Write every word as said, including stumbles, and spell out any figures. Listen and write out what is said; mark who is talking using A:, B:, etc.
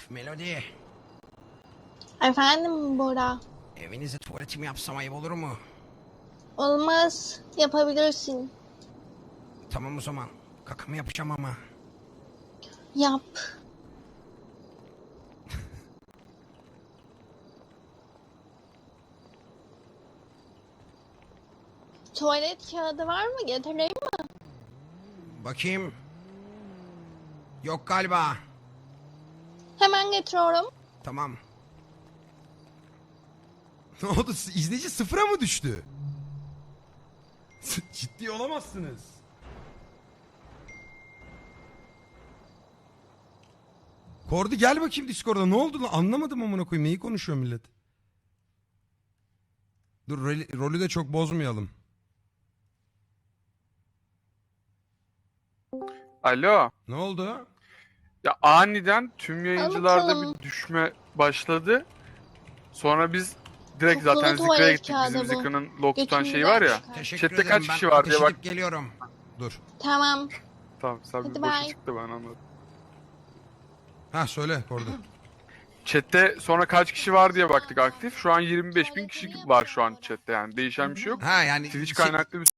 A: Melody,
B: Efendim Bora.
A: evinize tuvaletimi yapsam ayıp olur mu?
B: Olmaz. Yapabilirsin.
A: Tamam o zaman. Kakamı yapacağım ama.
B: Yap. Tuvalet kağıdı var mı? Getireyim mi?
A: Bakayım. Yok galiba.
B: Hemen getiriyorum.
A: Tamam. Ne oldu? İzleyici sıfıra mı düştü? Ciddi olamazsınız. Kordi gel bakayım Discord'a. Ne oldu lan? Anlamadım amına koyayım. Neyi konuşuyor millet? Dur rolü, rolü de çok bozmayalım.
C: Alo.
A: Ne oldu?
C: Ya aniden tüm yayıncılarda
B: bakalım.
C: bir düşme başladı. Sonra biz direkt
B: Kokulu
C: zaten
B: tuvalet
C: Zikra'ya gittik.
B: kağıdı
C: Bizim
B: bu.
C: Zikra'nın log tutan şeyi
B: Götümüzden
C: var ya.
B: çıkar.
A: Teşekkür
C: Chat'te
A: ederim.
C: kaç
A: Ben
C: kişi var
A: ateş
C: diye bak.
A: edip geliyorum. Dur.
B: Tamam.
C: Tamam sen
B: Hadi
C: bir boşa
B: bye.
C: çıktı ben anladım.
A: Ha söyle Kordi.
C: Chat'te sonra kaç kişi var diye baktık aktif. Şu an yirmi beş bin kişi var şu an chat'te yani. Değişen bir şey yok.
A: Ha yani
C: Twitch
A: şey-
C: kaynaklı bir